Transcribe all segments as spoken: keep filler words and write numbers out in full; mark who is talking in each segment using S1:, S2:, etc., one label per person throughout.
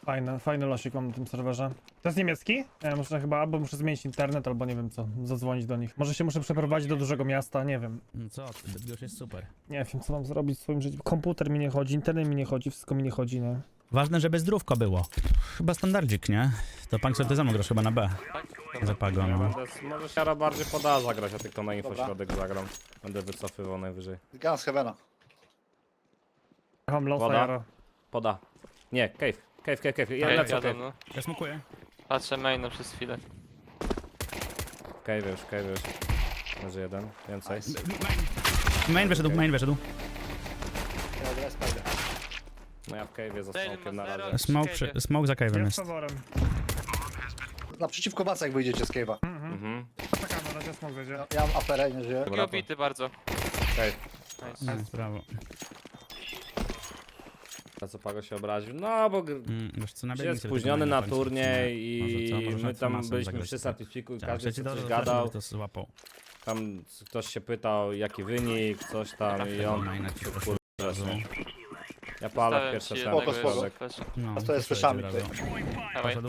S1: Fajny, fajny losik mam na tym serwerze. To jest niemiecki? Ja muszę chyba, albo muszę zmienić internet, albo nie wiem co, zadzwonić do nich. Może się muszę przeprowadzić do dużego miasta, nie wiem.
S2: No co, ty, Bydgoszcz jest super.
S1: Nie wiem, co mam zrobić w swoim życiu. Komputer mi nie chodzi, internet mi nie chodzi, wszystko mi nie chodzi, nie?
S2: Ważne, żeby zdrówko było. Chyba standardzik, nie? To pan sobie ty za mną grasz chyba na B. Zapago, no.
S3: Będę, może Siara bardziej poda zagrać, a tylko na infośrodek zagram. Będę wycofywał najwyżej.
S4: Gun z Heavena.
S1: Mam losa,
S3: Woda?
S1: jaro.
S3: Poda. Nie, cave. Cave, cave, cave. Ja
S5: Cave,
S3: lecę
S5: jadą,
S3: cave.
S5: no.
S2: Ja smokuję.
S5: Patrzę maina przez chwilę.
S3: Cave już, cave już. Może jeden, więcej.
S2: Main wyszedł, main wyszedł.
S4: Ja od respa idę.
S3: No ja w cave za
S5: Zero
S3: smokiem na
S5: ma zero.
S3: razie.
S2: Smoke, przy, smoke za cave'em
S1: Ja z
S2: jest.
S1: faworem.
S4: Naprzeciwko was jak wyjdziecie z cave'a.
S3: Mhm.
S1: Czekam, na razie smog wejdzie.
S4: Ja, ja mam aferę, nie żyję.
S5: Drugi obity bardzo.
S3: Cave.
S5: Nice.
S2: Nie, brawo.
S3: A co Pago się obraził? No bo gr-
S2: Mm, wiesz co, nabiegnij
S3: jest
S2: sobie
S3: spóźniony
S2: tego
S3: na
S2: maina końcu.
S3: turniej
S2: Może
S3: i
S2: co, może
S3: my
S2: z
S3: tam
S2: Tomasem
S3: byliśmy
S2: zagrać,
S3: przy
S2: tak.
S3: certyfiku i
S2: Tak,
S3: każdy
S2: przecież
S3: coś
S2: dobrze,
S3: gadał.
S2: to złapał.
S3: Tam ktoś się pytał jaki wynik, coś tam i on
S2: Maina ci
S3: się
S2: proszę.
S3: kur... Ja palę
S5: Stałem
S3: pierwsze
S5: ci
S3: sceny.
S4: Spoko,
S5: jednego
S4: spoko.
S5: jeszcze. Proszę.
S2: No,
S4: A to jest
S2: proszę,
S4: fleszami
S2: brawo.
S5: Dawaj.
S2: Poszedł.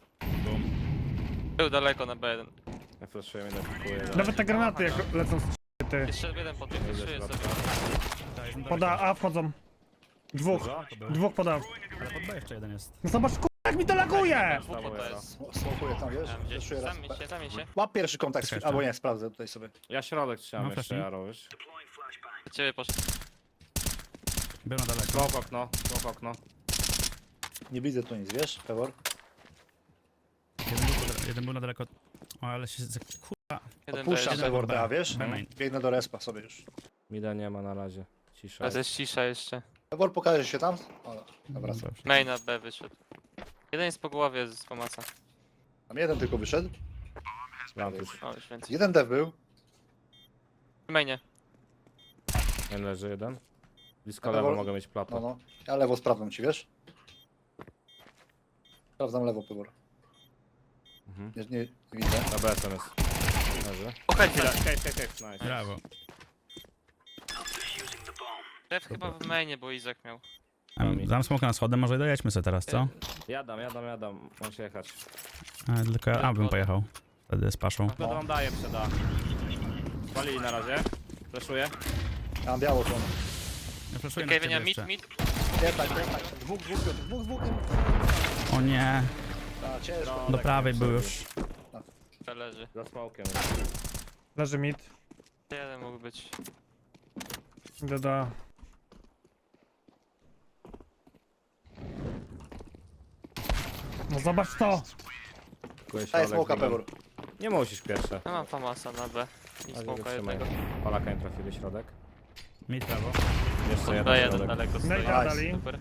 S5: Był daleko na B jeden.
S3: Ja flashuję, mnie defikuję.
S1: Nawet te granaty jak lecą z ty.
S5: Jeszcze jeden po tym, jeszcze sobie.
S1: Poda A wchodzą. Dwóch. Dwóch poda.
S2: Ale pod B jeszcze jeden jest.
S1: No zobacz, k***, jak mi to laguje!
S5: Dwóch po to jest.
S4: Sm- Smokuję tam, wiesz?
S5: Tam gdzieś.
S4: Zeszuję raz.
S5: Zamień się, zamień się.
S4: Łap pierwszy kontakt,
S2: Czekaj,
S4: albo
S2: jeszcze.
S4: nie, sprawdzę tutaj sobie.
S3: Ja środek trzymam
S2: No,
S3: jeszcze,
S2: flashnij.
S3: Jaro, wiesz?
S5: Do ciebie poszedł.
S2: Był na daleko.
S3: Smoke okno, smoke okno.
S4: Nie widzę tu nic, wiesz, Pewor?
S2: Jeden był, pod- jeden był na daleko. O, ale się... za- Kurwa.
S5: Jeden
S4: Odpuszczam
S5: B.
S4: Pewor,
S2: B.
S4: a wiesz?
S2: B main.
S4: Biegnę do respa sobie już.
S3: Mida nie ma na razie. Cisza.
S5: A to jest cisza jeszcze.
S4: Pewor, pokaże się tam? O, dobra, co?
S2: Dobrze.
S5: Maina B wyszedł. Jeden jest po głowie z pomaca.
S4: Tam jeden tylko wyszedł.
S3: Plant już.
S5: O, już więcej.
S4: Jeden dev był.
S5: W mainie.
S3: Nie leży jeden. Blisko
S4: Lewo-
S3: lewo mogę mieć
S4: No,
S3: platę.
S4: no. Ja lewo sprawdzam ci, wiesz? Sprawdzam lewo, Pewor.
S3: Mhm.
S4: Nie, nie, nie widzę.
S3: Na B S M jest. Leży.
S5: Okej,
S3: Chwila, cave, cave, cave, nice.
S2: Brawo.
S5: Def chyba w mainie, bo Izak miał.
S2: Em, Dam smoka na schodem, może dojedźmy sobie teraz, co?
S3: Jadam, jadam, jadam. Muszę jechać.
S2: A, tylko ja a, bym pojechał. Wtedy z paszą.
S3: Tylko wam daję, przeda. Spalili na razie. Flashuję.
S4: Ja mam biało to.
S2: Ja flashuję na
S5: Okej,
S2: ciebie
S5: Wienia, mid,
S2: jeszcze.
S5: mid.
S4: Nie, tak, nie, tak. Dwóch, dwóch, dwóch, dwóch, dwóch.
S2: O nie,
S4: A, ciężko.
S2: do prawej był już.
S5: To leży.
S3: Za smokiem.
S1: Leży mid.
S5: Jeden mógł być.
S1: Doda. No zobacz to!
S3: Kupuję
S4: Daj
S3: środek,
S4: smoka,
S3: biegam.
S4: Pewor.
S3: Nie musisz pierwsze.
S5: Ja mam famasa na B. I
S3: Razie
S5: smoka
S3: wytrzymaj.
S5: jednego.
S3: Palaka nie trafili środek.
S2: Mid prawo.
S3: Jeszcze
S5: B
S3: jeden
S5: jeden
S3: środek.
S5: daleko
S1: No i
S5: stoi.
S4: Nice.
S1: dali.
S5: Super.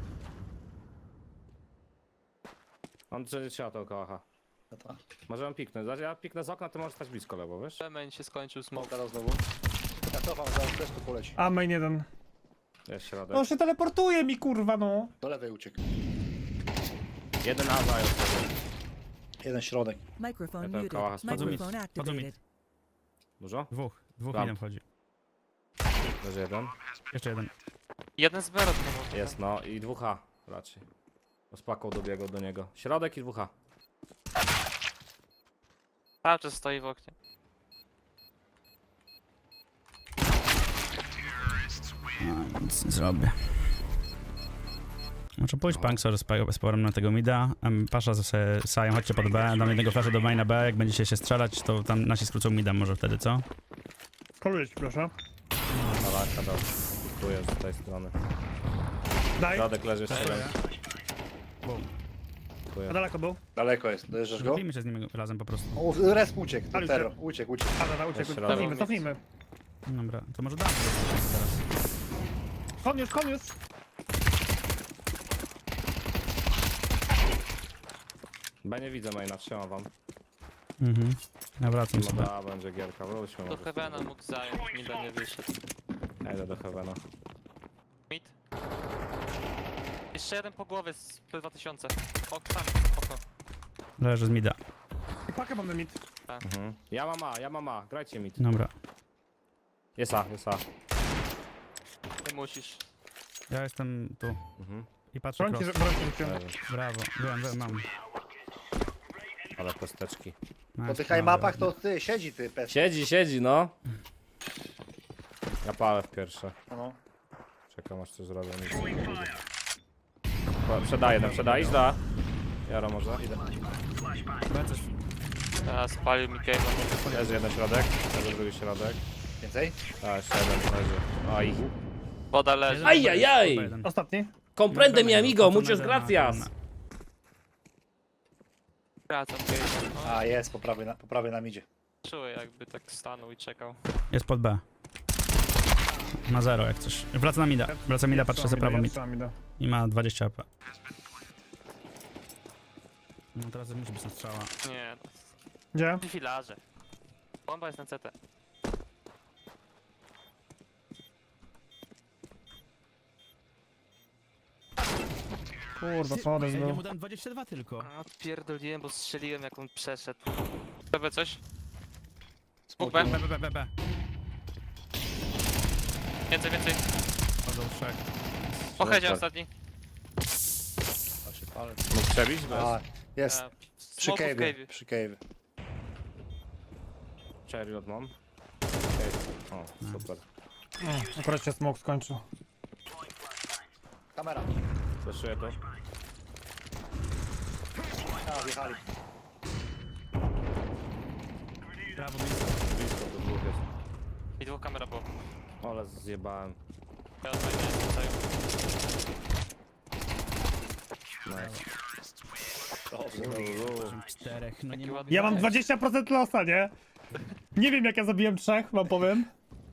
S3: On czy trzeba to kocha.
S4: Dobra.
S3: Możemy piknąć. Znaczy, ja piknę z okna, ty możesz stać blisko lewo, wiesz?
S5: B main się skończył smoke.
S4: Smoka dał znowu. Ja cofam, zaraz też tu poleci.
S1: A main jeden.
S3: Jest środek.
S1: No on się teleportuje mi, kurwa, no.
S4: Do lewej uciekł.
S3: Jeden A zajął sobie.
S4: Jeden środek.
S6: Microphone
S3: Ja to
S6: muted.
S3: koła spadł
S2: mi.
S6: Microphone
S2: Spadł mi.
S6: activated.
S3: Dużo?
S2: Dwóch. Dwóch
S3: Ramp.
S2: midem wchodzi.
S3: Leży jeden.
S2: Jeszcze jeden.
S5: Jeden z B rozmował.
S3: Jest no i dwóch A raczej. Rozpakał dobiegł do niego. Środek i dwóch A.
S5: Cały czas stoi w oknie.
S2: A, nic nie zrobię. Może pójść Punksor z pa- z porem na tego mida. Em, Pasza z se- Sajem, chodźcie pod B. Dam jednego flasha do maina B. Jak będziecie się strzelać, to tam nasi skrócą mida może wtedy, co?
S1: Koluję ci, proszę.
S3: Palaka dał. Kupuję z tej strony.
S1: Daj.
S3: Środek leży jeszcze jeden. Kupuję.
S1: A daleko był?
S4: Daleko jest. Dojeżdżasz go?
S2: Zrobimy się z nimi razem po prostu.
S4: O, resp uciekł.
S1: Ale
S4: Terror. Uciekł, uciekł.
S1: A, dobra, uciekł.
S3: Jeszcze
S1: Cofnijmy,
S5: raz.
S1: cofnijmy.
S2: Dobra, to może damy teraz.
S1: Koniusz, koniusz!
S3: B nie widzę maina, trzymam wam.
S2: Mhm. Ja wracam sobie.
S3: Moda będzie gierka, wróćmy
S5: Do
S3: może.
S5: Heavena mógł zająć, mida nie wyszedł.
S3: Ja idę do Heavena.
S5: Mid. Jeszcze jeden po głowie z P dwa tysiące. Ok, tam, okno.
S2: Leży z mida.
S1: I pakę mam na mid.
S3: Mhm. Ja mam A, ja mam A, grajcie mi.
S2: Dobra.
S3: Jest A, jest A.
S5: Ty musisz.
S2: Ja jestem tu.
S3: Mhm.
S2: I patrzę
S1: Brońcie,
S2: cross.
S1: brońcie rzuciłem.
S3: Leży.
S2: Brawo, byłem, byłem, mam.
S3: Ale kosteczki.
S2: Nice,
S4: Po tych
S2: brawo.
S4: mapach to ty, siedzi ty, pes.
S3: Siedzi, siedzi, no. Ja palę w pierwsze.
S4: No.
S3: Czekam aż coś zrobią. Nic nie będzie. Przedaję, no przedaj, idź da. Jaro może, idę.
S2: B coś...
S5: A, spalił mi cave'a.
S3: Leży jeden środek, leży drugi środek.
S4: Więcej?
S3: A, jeszcze jeden leży. Oj.
S5: Woda leży.
S3: Ajajaj!
S2: Jeden.
S1: Ostatni.
S3: Comprende mi amigo,
S2: Wracamy
S3: muchas
S2: na-
S3: gracias!
S2: na-
S5: Wracam cave'a. No,
S4: A, jest, po prawej na, po prawej nam idzie.
S5: czuję jakby tak stanął i czekał.
S2: Jest pod B. Ma zero jak coś. Wraca na mida. Wraca mida, patrzę za prawo mid.
S1: Trzymam mida.
S2: I ma dwadzieścia A P. No teraz musi być na strzała.
S5: Nie, no.
S1: Gdzie?
S5: Filarze. Bomba jest na C T.
S1: Kurwa, podejść
S2: Ja
S1: był.
S2: mu dam dwadzieścia dwa tylko.
S5: A, pierdoliłem, bo strzeliłem jak on przeszedł. Tobie coś?
S4: Smoke.
S5: B.
S2: B, B, B, B, B.
S5: Więcej, więcej.
S2: Chodzą trzech.
S5: Pochedzie
S3: Super.
S5: ostatni.
S4: Patrzcie, palec.
S3: Mógł przebić? Bez.
S4: A, jest.
S5: A,
S4: Przy
S5: smoku w
S4: cave'ie,
S5: cave'ie.
S4: przy cave'ie.
S3: Chariot mam. Okay. O, super.
S1: Mm, Akurat się smoke skończył.
S4: Kamera.
S3: Fleszuję to.
S4: A, wjechali.
S2: Brawo, blisko.
S3: Blisko to dwóch jest.
S5: I dwóch kamera było.
S3: Ale zjebałem.
S5: Ja odwajdę tutaj.
S3: Nice.
S4: Dobrze.
S2: Czterech, no nie
S5: Taki
S2: ma...
S5: ładny
S1: Ja mam
S5: cave.
S1: dwadzieścia procent losa, nie? Nie wiem jak ja zabiłem trzech, wam powiem.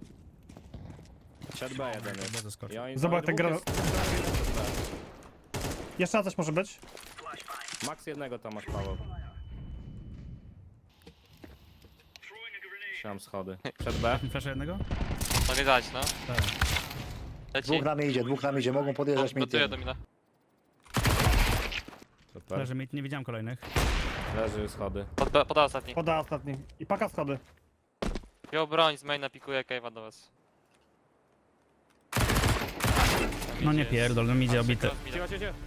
S3: Siad B jeden jest.
S2: Bardzo skoczy.
S3: I oni-
S1: Zobacz,
S3: oni
S1: ten
S3: dwóch
S1: gra-
S3: jest-
S1: Jeszcze raz coś może być?
S3: Max jednego tam masz, Paweł. Trzymam schody. Przed B.
S2: Flasza jednego?
S5: Mogę dać, no.
S2: Tak.
S5: Leci.
S4: Dwóch nam idzie, dwóch nam idzie, mogą podjeżdżać mi
S5: Gotuję
S4: tym.
S5: do mina.
S3: Super.
S2: Leży mid, nie widziałem kolejnych.
S3: Leży schody.
S5: Pod, poda ostatni.
S1: Poda ostatni. I paka schody.
S5: Wziął broń z maina, pikuje cave'a do was. Tam
S2: No
S5: idzie
S2: nie
S5: jest.
S2: pierdol, no mi idzie obity.
S5: Cross mida.
S3: Cicho, cicho, cicho.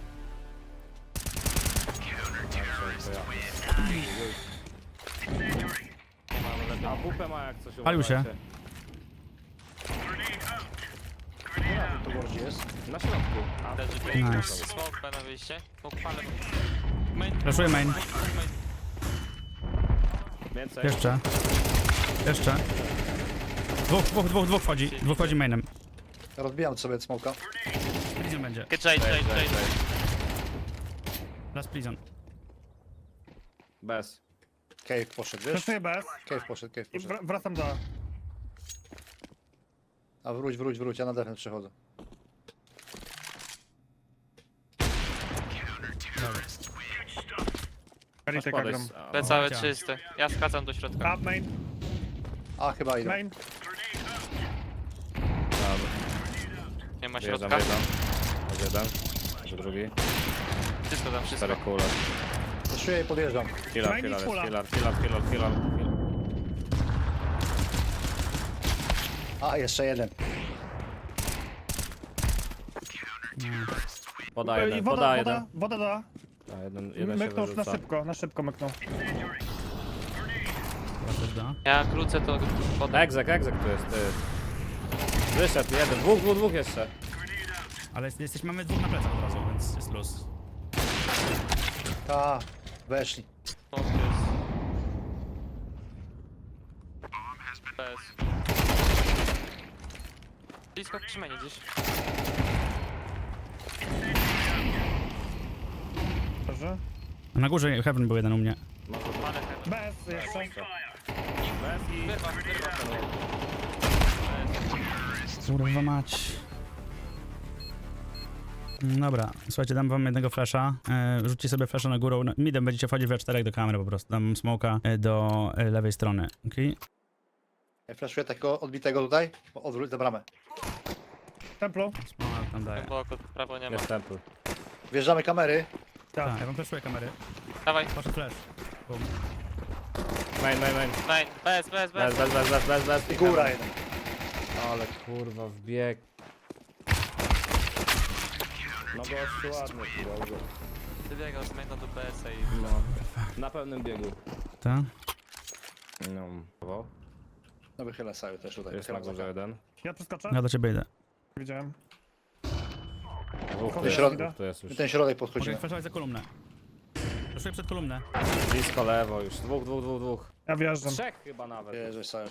S3: To ja.
S5: Nie ma, ale lepiej.
S3: A W P ma jak coś
S2: Palił się.
S3: uważajcie.
S4: Tu gości jest.
S3: Na środku. A,
S5: Leży tu.
S2: Nice.
S5: Smoke B na wyjście. Smoke palę. Main.
S2: Flashuję main.
S5: Main.
S3: Więcej.
S2: Jeszcze. Jeszcze. Dwóch, dwóch, dwóch, dwóch wchodzi. Dwóch wchodzi mainem.
S4: Rozbijam sobie smoka.
S2: Prison będzie.
S5: Jade, Jade, Jade, Jade.
S2: Last prison.
S3: Bez.
S4: Cave poszedł, wiesz?
S1: Przeszuję bez
S4: Cave poszedł, cave
S1: i
S4: poszedł.
S1: wr wracam do...
S4: A wróć, wróć, wróć, ja na defense przechodzę.
S1: Karitę
S3: Masz
S1: gram.
S3: podejść. A,
S5: B całe
S2: Ciao.
S5: czyste. Ja skracam do środka.
S1: Up main,
S4: A, chyba idą.
S1: main.
S3: Dobra.
S5: Nie ma
S3: Wyjeżdżam,
S5: środka.
S3: wyjeżdżam. Jest jeden. Jest drugi.
S5: Wszystko tam, wszystko.
S3: Cztery kule.
S4: Zaszuję i podjeżdżam.
S3: Killer,
S1: Main i
S3: killer, jest
S1: kula.
S3: killer, killer, killer, killer.
S4: A, jeszcze jeden.
S3: Poda
S1: I
S3: jeden,
S1: woda,
S3: poda
S1: woda,
S3: jeden.
S1: woda da.
S3: A, jeden, jeden się
S1: Myknął na
S3: wyrzuca.
S1: szybko, na szybko myknął.
S2: Chyba coś da.
S5: Ja krócę to wodę.
S3: Egzek, egzek tu jest, ty. Wyszedł jeden, dwóch, dwóch, dwóch jeszcze.
S2: Ale jest, jesteśmy, mamy dwóch na plecach od razu, więc jest luz.
S4: A, weszli.
S5: Smoke jest. Bez. Blisko trzymanie gdzieś.
S1: Dobrze.
S2: A na górze Heaven był jeden u mnie.
S5: Palę heaven.
S1: Bez jeszcze.
S3: Bez i...
S5: Wyrwa, wyrwa.
S2: Kurwa mać. Mm, Dobra, słuchajcie, dam wam jednego flasha. E, rzućcie sobie flasha na górę. No, midem będziecie wchodzić we czterech do kamery po prostu. Dam smoka e, do e, lewej strony. Okej?
S4: Ja flashuję takiego odbitego tutaj. Odwróć za bramę.
S1: Templu.
S2: Smoka tam daję.
S5: Głęboko, prawo nie ma.
S3: Jest temple.
S4: Wjeżdżamy kamery.
S1: Tak.
S2: Tak, ja wam flashuję kamery.
S5: Dawaj,
S2: Poszedł flash. Boom.
S3: Main, main, main.
S5: main. Bez, bez,
S3: Bez,
S5: bez.
S3: bez, bez, bez, bez, bez.
S4: I góra jeden.
S3: Ale kurwa, wbieg. No gościu ładny, kurwa.
S5: Wybiegał z maina do B S a i...
S3: No, na pełnym biegu.
S2: Ta?
S3: No, brawo.
S4: No wychylę sobie też tutaj.
S3: Jest na
S4: wychylam
S3: górze
S4: za-
S3: jeden.
S1: Ja przeskoczę?
S2: Ja do ciebie idę.
S1: Widziałem.
S3: Dwóch tu
S1: Ten
S3: jest,
S4: środ-
S3: dwóch tu jest już.
S4: My ten środek
S2: Mogę
S4: podchodzimy.
S2: flashować za kolumnę. Flashuję przed kolumnę.
S3: Blisko lewo już. Dwóch, dwóch, dwóch, dwóch.
S1: Ja wjeżdżam.
S3: Trzech chyba nawet.
S4: Jeżdżę sobie.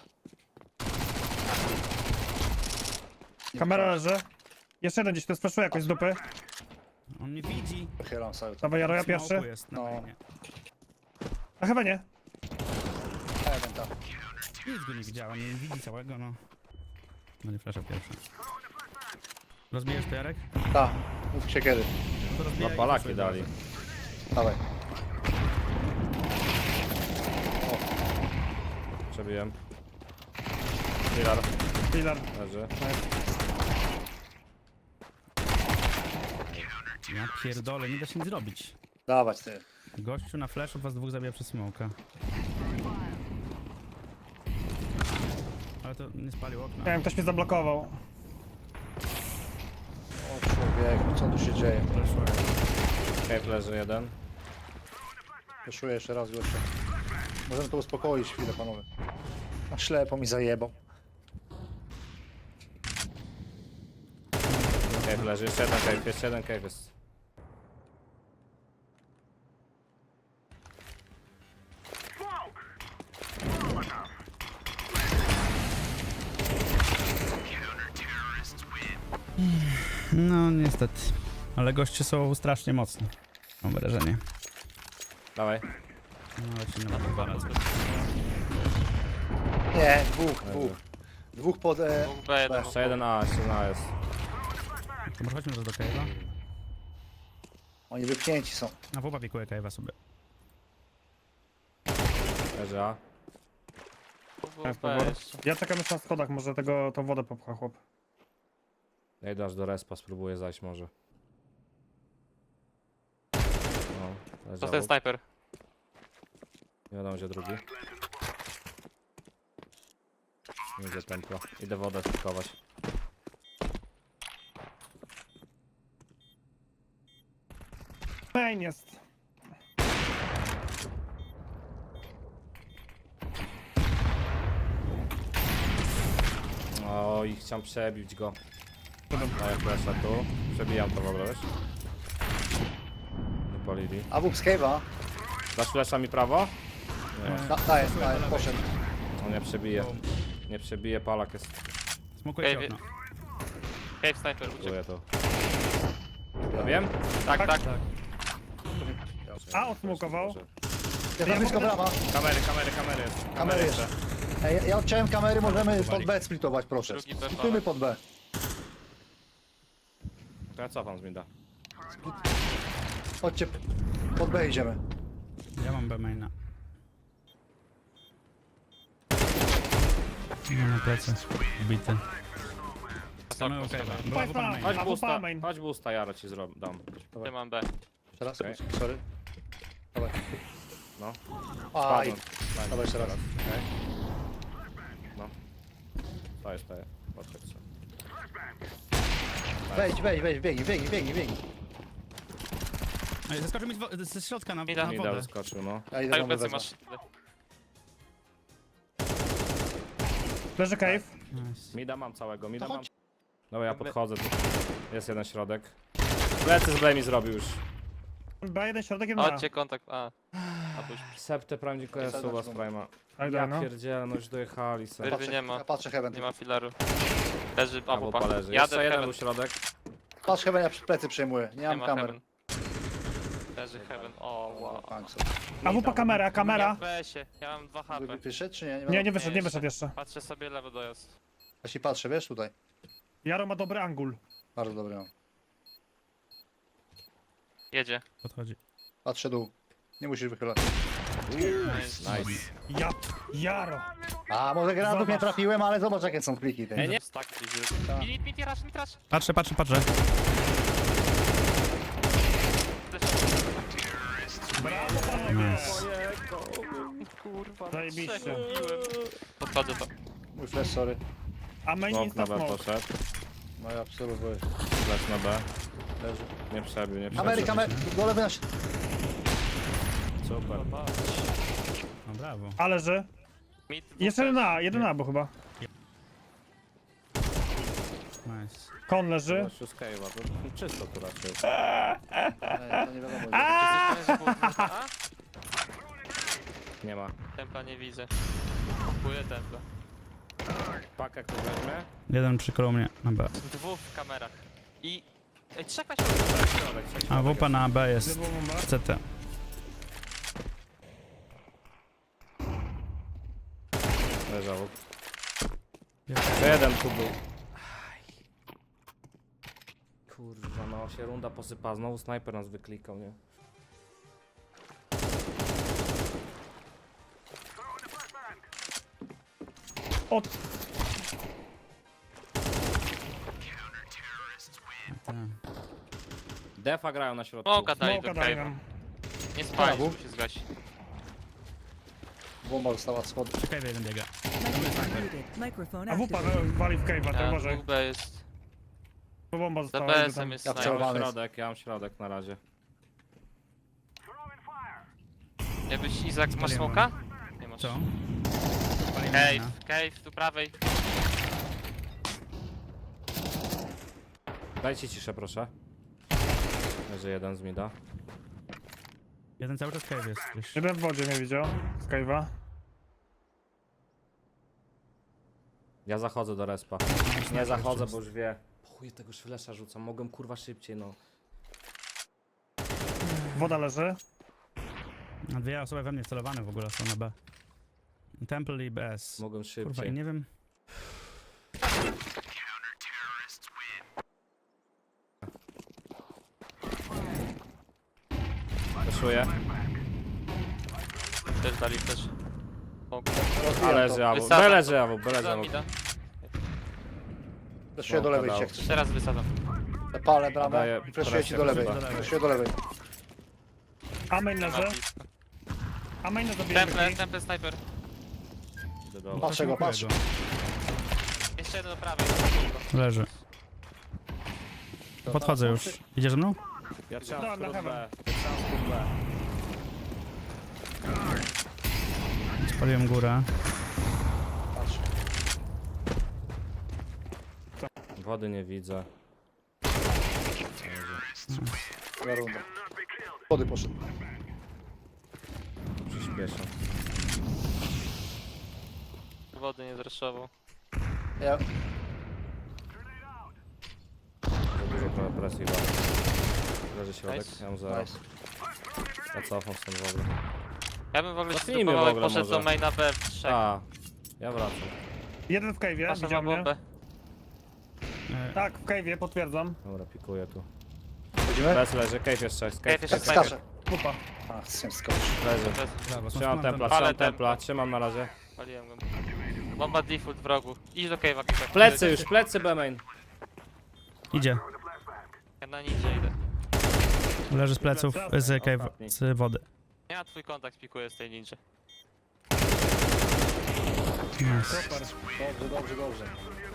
S1: Kamera leży. Jeszcze jeden gdzieś, to speszuje jakoś z dupy.
S2: On mnie widzi.
S4: Wychylam sobie.
S1: Dawaj, Jaro, ja
S2: Smoku
S1: pierwszy.
S2: jest na
S4: No.
S2: mainie.
S1: A chyba nie.
S4: Jeden tam.
S2: Nic go nie widziałem, nie widzi całego, no. No nie flasha pierwsza. Rozbijesz to, Jarek?
S4: Tak, mów się kiedy.
S2: No to
S3: No
S2: rozbijaj i
S3: palaki
S2: flashuj
S3: dali.
S2: bardzo.
S4: Dawaj.
S3: Przebiłem. Filar
S1: Pilar.
S3: leży.
S2: Ja pierdolę, nie da się nic zrobić.
S4: Dawać ty.
S2: Gościu na flashu was dwóch zabija przez smoka. Ale to nie spalił okna.
S1: Nie wiem, ktoś mnie zablokował.
S4: O człowieku, co tu się dzieje?
S3: Cave leży jeden.
S4: Wyszuję jeszcze raz gościa. Możemy to uspokoić chwilę, panowie. A ślepo mi zajebał.
S3: Cave leży. Jeszcze jeden cave. Jeszcze jeden cave jest.
S2: No niestety. Ale goście są strasznie mocni. Mam wrażenie.
S3: Dawaj.
S2: No lecimy na dwa
S4: Nie, dwóch, dwóch. Dwóch pod... E...
S5: Dwóch B jeden.
S3: Jeszcze jeden A, jeszcze jeden A jest.
S2: To może chodźmy teraz do Cave'a.
S4: Oni wypchnięci są.
S2: A wupa pikuje Cave'a sobie.
S3: Leży A.
S5: Dwóch
S1: Tak,
S5: B
S1: powrót.
S5: jeszcze.
S1: Ja czekam jeszcze na schodach, może tego, tą wodę popcha chłop.
S3: Ja idę aż do respa, spróbuję zajść może. No, leży
S5: To ten
S3: obok.
S5: snajper.
S3: Nie wiadomo gdzie drugi. Nie idzie templo. Idę wodę spikować.
S1: Main jest.
S3: O, i chciałem przebić go. Daję flesza tu. Przebijam to w ogóle, wiesz? Nie polili.
S4: A wóz Cave'a?
S3: Dasz flesza mi prawo? Nie.
S4: Da, daję, daję, poszedł.
S3: On nie przebije. Nie przebije, palak jest.
S2: Smokuje ci
S5: Cave'ie.
S2: okno.
S5: Cave sniper uciekł.
S3: Czuję to. Ja wiem?
S5: Tak, tak.
S1: A, odsmokował.
S4: Ja tam blisko brawa.
S3: Kamery, kamery, kamery jest.
S4: Kamery jeszcze. Ej, ja odciąłem kamery, możemy pod B splitować, proszę.
S5: Drugi B
S4: Splitujmy pod B.
S3: To ja cofam z mida.
S4: Chodźcie, pod B idziemy.
S2: Ja mam B maina. Nie na plecy. Ubity. Mamy okej. Była wupa na mainie.
S3: Chodź
S1: A,
S3: boosta,
S1: wupa main.
S3: chodź boosta, Jaro ci zrobię, dam.
S5: Ty mam B.
S4: Jeszcze raz,
S3: Okej.
S4: sorry. Dawaj.
S3: No.
S4: Aj,
S3: Spadłem.
S4: dawaj jeszcze raz.
S3: Okej. No. Staję, staję. Podchodź sobie.
S4: Wejdź, wejdź, wejdź, biegnij, biegnij, biegnij, biegnij.
S2: Ej, Zaskoczył mi z wo- ze środka na,
S5: Mida.
S2: na
S3: Mida
S2: wodę.
S3: wyskoczył, no.
S4: Ja idę
S5: Tak,
S4: wam
S5: plecy
S4: wezmę.
S5: masz.
S1: Leży cave.
S2: Nice.
S3: Mida mam całego, mida
S4: To
S3: mam.
S4: chodź.
S3: Dobra, ja podchodzę tu. Jest jeden środek. Plecy z Blame zrobił już.
S1: B jeden środek, jeden A.
S5: Chodźcie kontakt. A. A pójdź.
S3: Septe prime dziękuję
S4: Jest
S3: suba z
S4: zaznaczony.
S3: Prime'a.
S1: Tak,
S3: Ja
S1: no.
S3: pierdzielę, no już dojechali se.
S5: Wyrwy nie ma.
S4: Ja patrzę Heaven.
S5: Nie ma filaru. Leży
S3: A
S5: A
S3: wupa
S5: wupa.
S3: leży.
S5: Jadę
S3: Jeszcze
S5: w
S3: jeden
S5: heaven.
S3: był środek.
S4: Patrz Heaven, ja plecy przejmuję. Nie
S5: Nie
S4: mam
S5: ma
S4: kamer.
S5: heaven. Leży heaven. O, wow.
S4: Thanks.
S1: A wupa kamera,
S5: Ja
S1: kamera.
S5: w B S-ie. Ja mam dwa H P.
S4: Wyszedł czy nie?
S1: Nie, nie wyszedł, nie wyszedł jeszcze.
S5: Patrzę sobie lewo dojazd.
S4: Ja się patrzę, wiesz, tutaj.
S1: Jaro ma dobry angul.
S4: Bardzo dobry mam.
S5: Jedzie.
S2: Podchodzi.
S4: Patrzę dół. Nie musisz wychylać.
S5: Nice.
S3: Nice.
S1: Ja, Jaro.
S4: A, może granatów nie
S1: Zobacz.
S4: trafiłem, ale zobacz jakie są pliki. Te.
S5: Nie, nie. Stack gdzieś.
S4: Tak.
S5: Mit, mit, mit, mit, mit,
S2: Patrzę, patrzę, patrzę.
S1: Brawo, panowie.
S2: Nice.
S5: Kurwa,
S1: Zajebiście.
S5: trzech ubiłem. Podchodzę to.
S4: Mój flash, sorry.
S1: A main
S3: Smok
S1: insta
S3: na B
S1: smoke.
S3: poszedł.
S4: No ja absolutnie.
S3: Flash na B.
S4: Leży.
S3: Nie przebił, nie przebił.
S4: Ameryka, Ameryka, do lewej na się.
S3: Super.
S2: No brawo.
S1: A leży.
S5: Mid, dwóch
S1: Jeszcze
S5: też.
S1: jeden A, jeden A, bo chyba.
S2: Nice.
S1: Kon leży.
S3: Gościu z Cave'a, to czysto tu raczej.
S4: Nie, to nie wiadomo.
S5: Czy jesteś pewien, że było A?
S3: Nie ma.
S5: Templa nie widzę. Kupuję templa.
S3: Pakę kto weźmie?
S2: Jeden przy kolumnie na B.
S5: Dwóch w kamerach. I... Ej, trzech na
S3: Środek, trzeci
S2: A
S3: środek
S2: wupa na B jest
S1: Lewo bomba.
S2: C T.
S3: jest. Leżał. Jeszcze jeden tu był. Aj. Kurwa, no się runda posypa. Znowu snajper nas wyklikał, nie?
S1: Od...
S2: Tak.
S3: Defa grają na środku.
S5: Smoka dali do
S1: Smoka daję
S5: cave'a.
S1: nam.
S5: Nie spali,
S4: Brawo.
S5: żeby się zgasić.
S4: Bomba została schody.
S2: Czekaj, jeden biega.
S6: Muted. Microphone
S1: A wupa
S6: activated.
S1: wali w cave'a, to
S5: Ja,
S1: może.
S5: dwóch B jest.
S1: Bo bomba
S5: Za
S1: została.
S5: B
S1: idę
S5: S em
S1: tam.
S5: jest
S4: Ja
S5: sniper.
S3: Ja mam
S4: wcelowany.
S3: środek, ja mam środek na razie.
S5: Nie być Izak, masz
S2: Spaliłem.
S5: smoka? Nie masz.
S2: Co?
S5: Cave, cave, tu prawej.
S3: Dajcie ciszę, proszę. Leży jeden z mida.
S2: Jeden cały czas cave jest gdzieś.
S1: Jeden w wodzie nie widział. Z cave'a.
S3: Ja zachodzę do respa. Nie zachodzę, bo już wie. Chuj, tego szwlesza rzucam. Mogłem kurwa szybciej, no.
S1: Woda leży.
S2: A dwie osoby we mnie wcelowane w ogóle są na B. Temple i B S.
S3: Mogłem
S2: Kurwa, i
S3: szybciej.
S2: nie wiem.
S3: Wyszuję.
S5: Też dali też. O,
S3: A leży awu.
S5: Wysadzam
S3: B
S5: to.
S3: leży awu, B leży
S5: za
S3: awu.
S5: mida.
S4: Fleszuję do lewej,
S3: dał.
S4: jak chcesz.
S5: Teraz wysadzam.
S4: Palę bramę
S3: Daję
S4: i fleszuję ci do
S3: presję
S4: lewej.
S3: chyba.
S4: Fleszuję do lewej.
S1: A main
S5: Ma
S1: leży.
S5: blisko.
S1: A main zabije.
S5: Temple, temple sniper.
S3: Idę do-
S4: Patrzę go, patrz.
S5: Jeszcze jeden do prawej.
S2: Leży. Podchodzę już. Idziesz ze mną?
S3: Ja trzymam
S1: Dobra,
S3: skrót
S1: na
S3: B.
S1: heaven.
S3: Trzymam skrót B.
S2: Spaliłem górę.
S4: Patrz.
S3: Wody nie widzę.
S4: Druga runda. Schody poszedł.
S3: Przyspieszę.
S5: Wody nie zreszował.
S4: Ja,
S3: Za dużo trochę presji chyba. Leży środek,
S5: Nice.
S3: ja mam zero.
S4: nice.
S3: Ja cofam stąd w ogóle.
S5: Ja bym w ogóle się
S3: Zacznijmy w
S5: zdecydował, jak
S3: ogóle
S5: poszedł
S3: może.
S5: do maina B w trzech.
S3: A, ja wracam.
S1: Jeden w cave'ie,
S5: Pasza ma
S1: widział mnie.
S5: bombę.
S2: E,
S1: Tak, w cave'ie, potwierdzam.
S3: Dobra, pikuję tu.
S4: Chodzimy?
S3: Bez leży, cave jeszcze, cave,
S5: Cave jeszcze
S3: cave,
S5: sniper.
S4: Skaczę.
S1: Wupa.
S4: A, chcę skoczyć.
S3: leży.
S5: Bez-
S2: brawo,
S3: Trzymam templa,
S5: Ale
S3: trzymam
S5: templa.
S3: templa, trzymam na razie.
S5: Paliłem go. Bomba default w rogu. Idź do cave'a, Kipek.
S3: Plecy już, plecy B-main.
S2: Idzie.
S5: Ja na ninja idę.
S2: Leży z pleców, z cave,
S3: Ostatni.
S2: z wody.
S5: Ja twój kontakt pikuję z tej ninja.
S2: Nice.
S1: Super.
S4: Dobrze, dobrze, dobrze.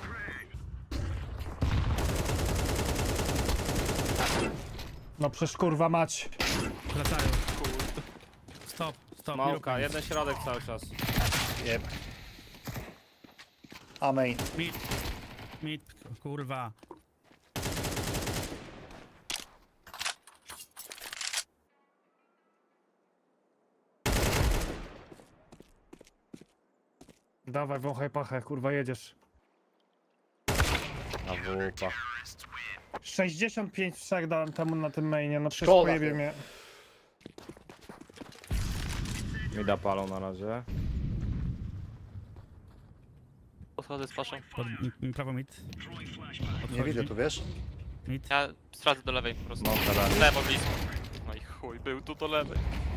S1: No przecież kurwa mać.
S2: Wracają. Stop, stop. nie rób
S3: Małka,
S2: nic.
S3: jeden środek cały czas.
S4: Jeb. Amen.
S2: Mid. Mid, kurwa.
S1: Dawaj, wąchaj pachę, kurwa jedziesz.
S3: A wupa.
S1: sześćdziesiąt pięć w trzech dałem temu na tym mainie, no przecież
S4: Szkoda,
S1: pojebie
S4: ty.
S1: mnie.
S3: Mida palą na razie.
S5: Podchodzę z paszą.
S2: Pod, m, prawo mid.
S4: Nie widzę tu, wiesz?
S2: Mid.
S5: Ja stracę do lewej po prostu.
S3: Małka dali.
S5: Lewo blisko. No i chuj, był tu do lewej.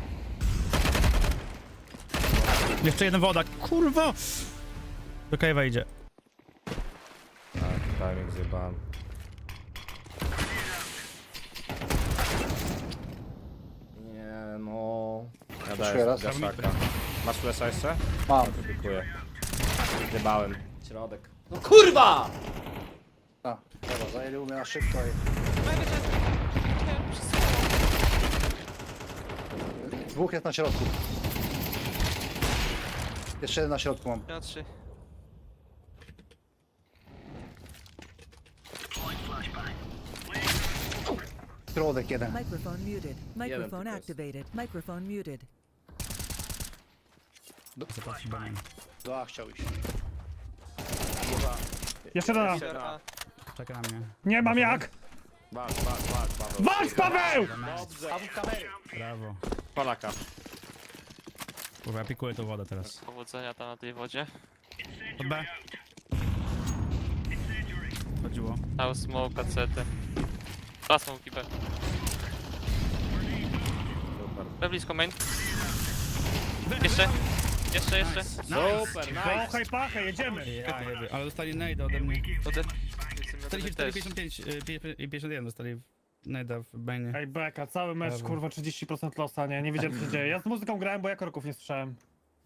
S2: Jeszcze jeden woda, kurwa! Do cave'a idzie.
S3: Tak, timing zjebałem. Nie no. Ja
S4: Jeszcze
S3: daję
S4: raz.
S3: gaszaka. Masz flesza jeszcze?
S4: Mam.
S3: Pikuję. Zjebałem. Środek. No kurwa!
S4: A, dobra, zajęli u mnie na szybko i... Dwóch jest na środku. Jeszcze jeden na środku mam.
S5: Ja trzy.
S4: Środek jeden.
S6: Microphone muted. Microphone
S7: tylko jest.
S6: activated. Microphone muted.
S2: Zobaczcie B main.
S4: Do A chciał iść.
S1: Jeszcze raz.
S7: Jeszcze raz.
S2: Czeka na mnie.
S1: Nie mam jak!
S7: Walcz, walcz, walcz, Paweł.
S1: Walcz, Paweł!
S7: Dobrze.
S4: A w kamery.
S2: Brawo.
S3: Polaka.
S2: Kurwa, ja pikuję tą wodę teraz.
S5: Powodzenia tam na tej wodzie.
S2: Pod B. Chodziło.
S5: Dał smoke, cety. Dwa smoki B.
S3: Super.
S5: B blisko main. Jeszcze. Jeszcze, jeszcze.
S3: Super, nice.
S1: Pachaj, pachaj, jedziemy!
S2: Ja jeby. Ale dostali nade ode mnie.
S5: Ode...
S2: czterdzieści cztery,
S5: też.
S2: pięćdziesiąt pięć y, pi- i pięćdziesiąt jeden dostali nade'a w mainie.
S1: Ej, beka, cały mecz,
S2: Brawo.
S1: kurwa, trzydzieści procent losa, nie? Nie wiedziałem, co się dzieje. Ja z muzyką grałem, bo ja korków nie słyszałem.